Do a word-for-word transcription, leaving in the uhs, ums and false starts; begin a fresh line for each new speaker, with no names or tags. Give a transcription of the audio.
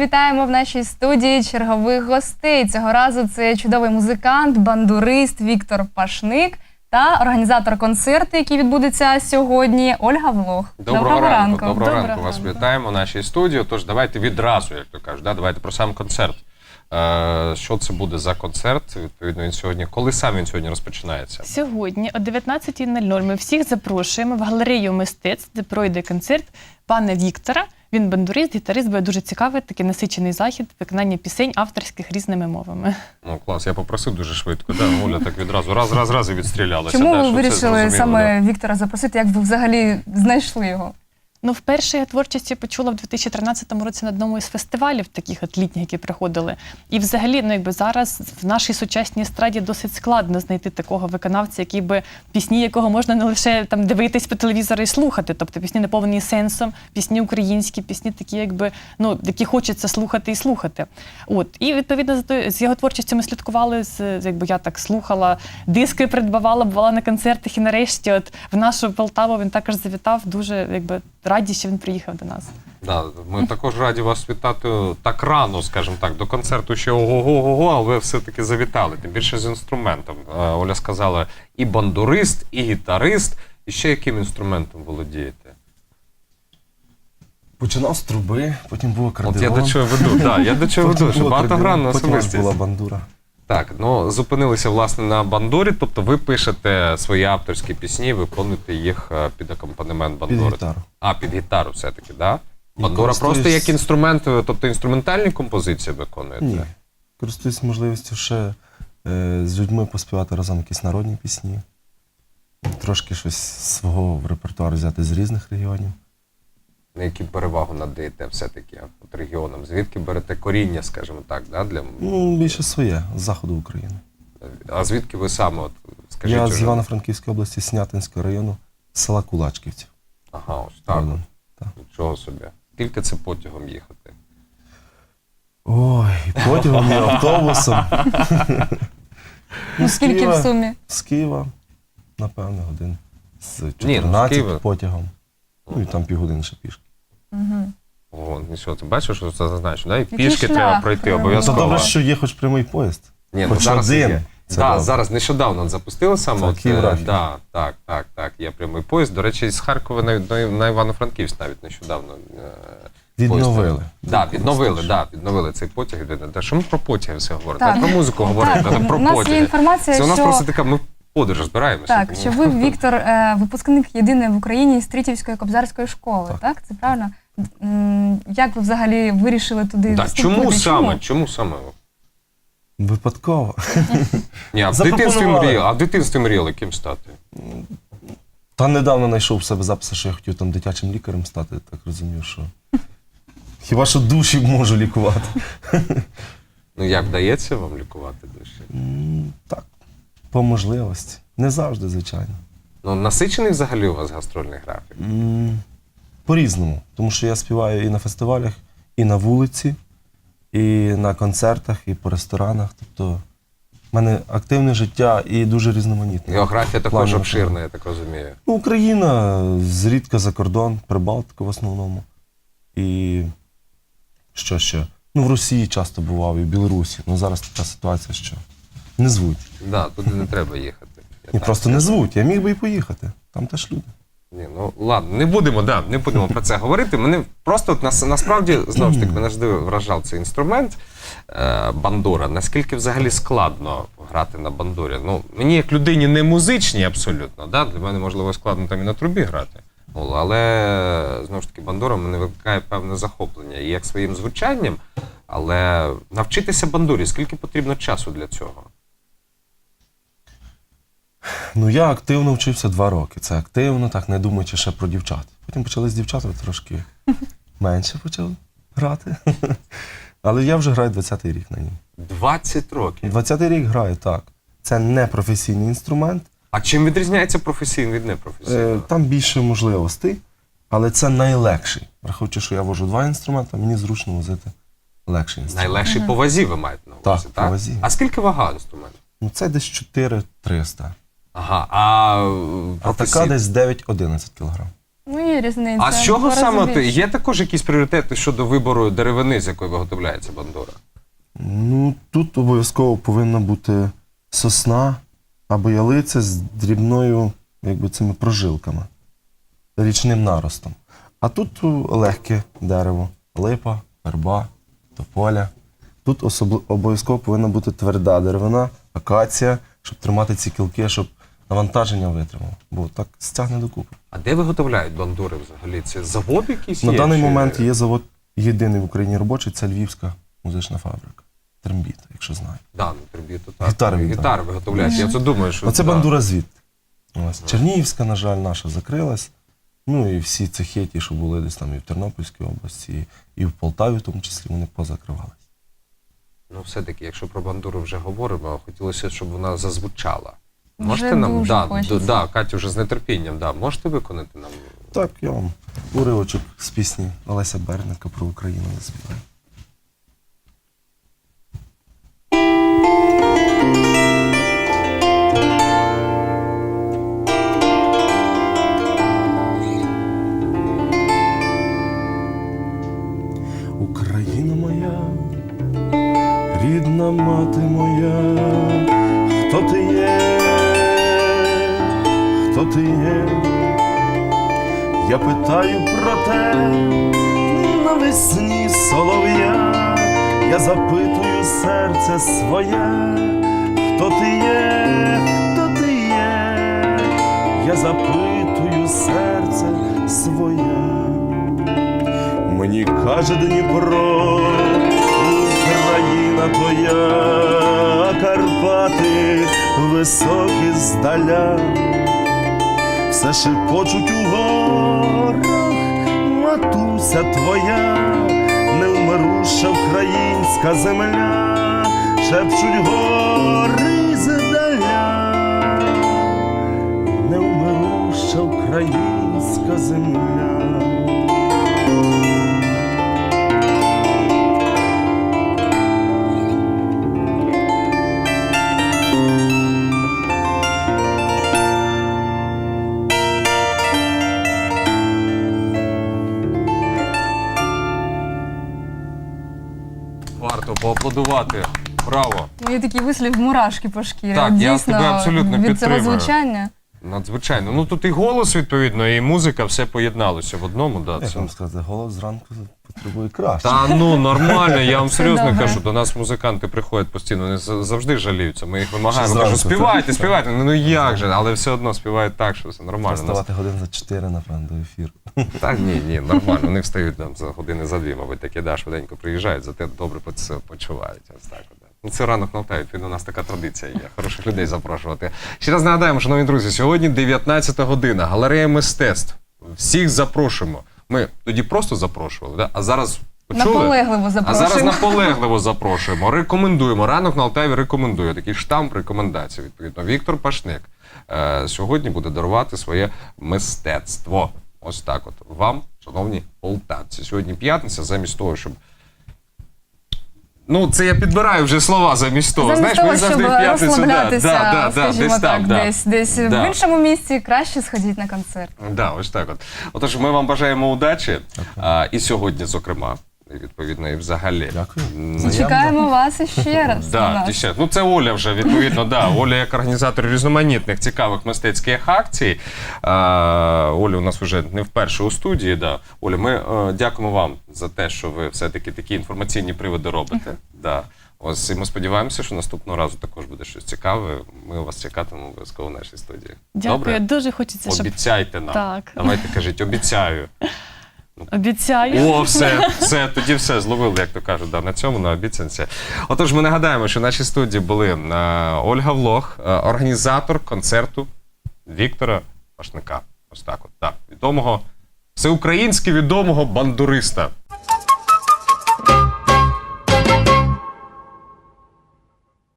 вітаємо в нашій студії чергових гостей. Цього разу це чудовий музикант, бандурист Віктор Пашник та організатор концерту, який відбудеться сьогодні, Ольга Влох.
Доброго, Доброго ранку. ранку. Доброго, Доброго ранку. Вас ранку. Вітаємо в нашій студії. Тож давайте відразу, як то кажуть, да? Давайте про сам концерт. Е, що це буде за концерт? Відповідно, він сьогодні. Коли сам він сьогодні розпочинається?
Сьогодні о дев'ятнадцятій нуль нуль ми всіх запрошуємо в галерею мистецтв, де пройде концерт пана Віктора. Він бандурист, гітарист, буде дуже цікавий, такий насичений захід, виконання пісень авторських різними мовами.
Ну, клас, я попросив дуже швидко, да? Оля так відразу, раз, раз, раз і відстрілялася.
Чому
да,
ви вирішили саме
да?
Віктора запросити, як ви взагалі знайшли його?
Ну, вперше я творчості почула в дві тисячі тринадцятому році на одному із фестивалів, таких от літніх, які приходили. І взагалі, ну, якби зараз в нашій сучасній естраді досить складно знайти такого виконавця, який би, пісні якого можна не лише там дивитись по телевізору і слухати, тобто пісні наповнені сенсом, пісні українські, пісні такі, якби, ну, які хочеться слухати і слухати. От. І, відповідно, з його творчістю ми слідкували, з, якби я так слухала, диски придбавала, бувала на концертах, і нарешті от в нашу Полтаву він також завітав, дуже, якби, раді, що він приїхав до нас.
Да, ми також раді вас вітати так рано, скажімо так, до концерту ще ого-го-го, а ви все-таки завітали, тим більше з інструментом. Оля сказала, і бандурист, і гітарист, і ще яким інструментом володієте?
Починав з труби, потім був акордеон.
От я до чого веду, да, я до чого веду, що багатогранна особистість.
Потім була бандура.
Так, ну зупинилися, власне, на бандурі, тобто ви пишете свої авторські пісні, виконуєте їх під акомпанемент бандури.
Під гітару.
А, під гітару все-таки, так? Да? Бандура користуюсь... просто як інструмент, тобто інструментальні композиції виконуєте?
Ні, користуюсь можливістю ще е, з людьми поспівати разом якісь народні пісні, трошки щось свого в репертуар взяти з різних регіонів.
На які перевагу надаєте все-таки от регіонам? Звідки берете коріння, скажімо так, да, для...
Ну, більше своє, з заходу України.
А звідки ви саме, от, скажіть?
Я
уже...
з Івано-Франківської області, Снятинського району, з села Кулачківці.
Ага, ось так.
Правда, так.
Нічого собі. Скільки це потягом їхати?
Ой, потягом і автобусом.
Ну, скільки в сумі?
З Києва, напевно, годин. З
Ні,
чотирнадцять потягом. Ну і там півгодини ще пішки.
Угу.
О, нічого, ти бачиш, що це зазначено, да? І
Який
пішки
шлях?
треба пройти обов'язково.
То добре, що є хоч прямий поїзд.
Ні,
хоч
ну, зараз
один.
є. Да, зараз нещодавно запустили саме.
Так,
от,
Київрафік.
да, так, так, так, є прямий поїзд. До речі, з Харкова на, на Івано-Франківськ навіть нещодавно.
Відновили.
Да, відновили, да, відновили цей потяг. Та що ми про потяги все говоримо?
Так.
Про музику говоримо,
Так,
та про
у нас
потяги.
є інформація,
Це у нас
що...
просто така, ми в подорож збираємося.
Так,
тому...
що ви, Віктор, е, випускник єдиний в Україні Стрітівської кобзарської школи, так?
Так.
Це правильно? М, Як ви взагалі вирішили туди
Да,
вступити?
чому саме? Чому саме?
Випадково.
Ні, а в дитинстві мріяли, а в дитинстві мріяли ким стати?
Та недавно знайшов в себе записи, що я хотів там дитячим лікарем стати, так розумів, що хіба що душі можу лікувати.
Ну як вдається вам лікувати душі?
М, Так, по можливості. Не завжди, звичайно.
Ну насичений взагалі у вас гастрольний графік?
М, По-різному. Тому що я співаю і на фестивалях, і на вулиці, і на концертах, і по ресторанах. Тобто в мене активне життя і дуже різноманітне.
Географія також
Плані
обширна, я так розумію.
Ну, Україна, зрідка за кордон, Прибалтика в основному. І що ще? Ну, в Росії часто бував, і в Білорусі. Ну, зараз така ситуація, що не звуть.
Да, туди не треба їхати. Я
Ні,
так
просто
скажу.
не звуть. Я міг би і поїхати. Там теж люди.
Ні, ну ладно, не будемо, да, не будемо про це говорити. Мене просто от, нас, насправді, знову ж таки, мене завжди вражав цей інструмент е, бандура. Наскільки взагалі складно грати на бандурі? Ну, мені як людині не музичній абсолютно, да? Для мене можливо складно там і на трубі грати. Ну, але знову ж таки бандура мене викликає певне захоплення. І як своїм звучанням, але навчитися бандурі, скільки потрібно часу для цього?
Ну, я активно вчився два роки. Це активно, так, не думаючи ще про дівчат. Потім почали з дівчатами трошки менше почав грати. Але я вже граю двадцятий рік на ній.
двадцять років?
двадцятий рік граю, так. Це не професійний інструмент.
А чим відрізняється професійний від непрофесійного?
Е, Там більше можливостей, але це найлегший. Враховуючи, що я вожу два інструменти, мені зручно возити легший інструмент.
Найлегший по вазі ви маєте на увазі,
Так,
так?
по вазі.
А скільки вага інструменту?
Ну, це десь чотири триста.
Ага, а
А
професій...
така десь дев'ять-одинадцять кілограм.
Ну, є різниця.
А з чого
Два рази
саме ти?
більше.
Є також якісь пріоритети щодо вибору деревини, з якої виготовляється бандура?
Ну, тут обов'язково повинна бути сосна або ялиця з дрібною, якби цими прожилками, річним наростом. А тут легке дерево, липа, верба, тополя. Тут особли- обов'язково повинна бути тверда деревина, акація, щоб тримати ці кілки, щоб навантаження витримало. Бо так стягне докупи.
А де виготовляють бандури взагалі? Це завод якийсь
На
є?
даний
чи-
момент є завод єдиний в Україні робочий, це Львівська музична фабрика. Трембіта, якщо знаєте.
Да, ну, триб'юту, так.
Гітари він
Гітари
там.
виготовляють. Я це думаю, що...
Оце
да.
бандура звідти. Ось. Чернігівська, на жаль, наша закрилась. Ну і всі цехи, ті, що були десь там і в Тернопільській області, і в Полтаві, в тому числі, вони позакривались.
Ну, все-таки, якщо про бандуру вже говоримо, хотілося, щоб вона зазвучала.
Вже
Можете нам,
дуже
да,
хочеться.
д- да, Катю вже з нетерпінням, да, можете виконати нам?
Так, я вам уривочок з пісні Олеся Берника про Україну заспіваю. Україна моя, рідна мати моя, хто ти є, хто ти є? Я питаю про те навесні солов'я, я запитую серце своє, хто ти є, хто ти є, я запитую серце своє. Мені каже Дніпро, Україна твоя, Карпати високі здаля, все шепочуть у горах, матуся твоя, невмируша українська земля, шепчуть гори здаля, невмируша українська земля.
Варто поаплодувати. Браво.
Ну, є такий вислів мурашки по шкірі.
Так,
От
я
дійсно,
тебе абсолютно
від цього
підтримую.
звучання.
Надзвичайно. Ну тут і голос, відповідно, і музика, все поєдналося в одному. Да,
Як
це...
вам сказати, голос зранку потребує краще.
Та ну нормально, я вам
Все
серйозно
добре.
кажу, до нас музиканти приходять постійно, вони за- завжди жаліються. Ми їх вимагаємо,
Ще
кажу,
зранку,
співайте,
так.
співайте. Ну, ну як же, але все одно співають так, що все нормально. Нас-
Вставати годин за чотири, напевно, до ефіру.
Та ні, ні, нормально. Вони встають там за години за дві, мабуть, такі да, швиденько приїжджають, зате добре по це почувають. Ось так. от, да. Ну, це ранок на Алтаві, відповідно, у нас така традиція є. Хороших людей запрошувати. Ще раз нагадаємо, шановні друзі, сьогодні дев'ятнадцята година, галерея мистецтв. Всіх запрошуємо. Ми тоді просто запрошували, да? А зараз почули?
Наполегливо
А
запрошуємо.
зараз наполегливо запрошуємо. Рекомендуємо. Ранок на Алтаві рекомендує. Такий штамп рекомендацій. Відповідно, Віктор Пашник е, сьогодні буде дарувати своє мистецтво. Ось так от. Вам, шановні полтавці. Сьогодні п'ятниця, замість того, щоб... Ну, це я підбираю вже слова замість того.
Замість
Знаєш,
того,
мені завжди
щоб
в п'ятницю...
розслаблятися,
да, да, да,
скажімо
десь
так,
там, да.
десь, десь
Да.
в іншому місці, краще сходіть на концерт.
Да, ось так от. Отож, ми вам бажаємо удачі. А, і сьогодні, зокрема, і відповідно, і взагалі.
Дякую.
М,
Чекаємо вас іще раз. у
Да,
нас.
дівчат. Ну це Оля вже, відповідно, да. Оля як організатор різноманітних цікавих мистецьких акцій. А, Оля у нас вже не вперше у студії. Да. Оля, ми е, дякуємо вам за те, що ви все-таки такі інформаційні приводи робите. Да. Ось і ми сподіваємося, що наступного разу також буде щось цікаве. Ми вас чекатимемо обов'язково в нашій студії.
Дякую,
Добре?
дуже хочеться, щоб
Обіцяйте нам.
Так.
Давайте кажіть, обіцяю.
обіцяю.
О, все, все, тоді все, зловили, як то кажуть, да, на цьому, на обіцянці. Отож, ми нагадаємо, що в нашій студії були е, Ольга Влох, е, організатор концерту Віктора Пашника. Ось так от, так, відомого, всеукраїнськи відомого бандуриста.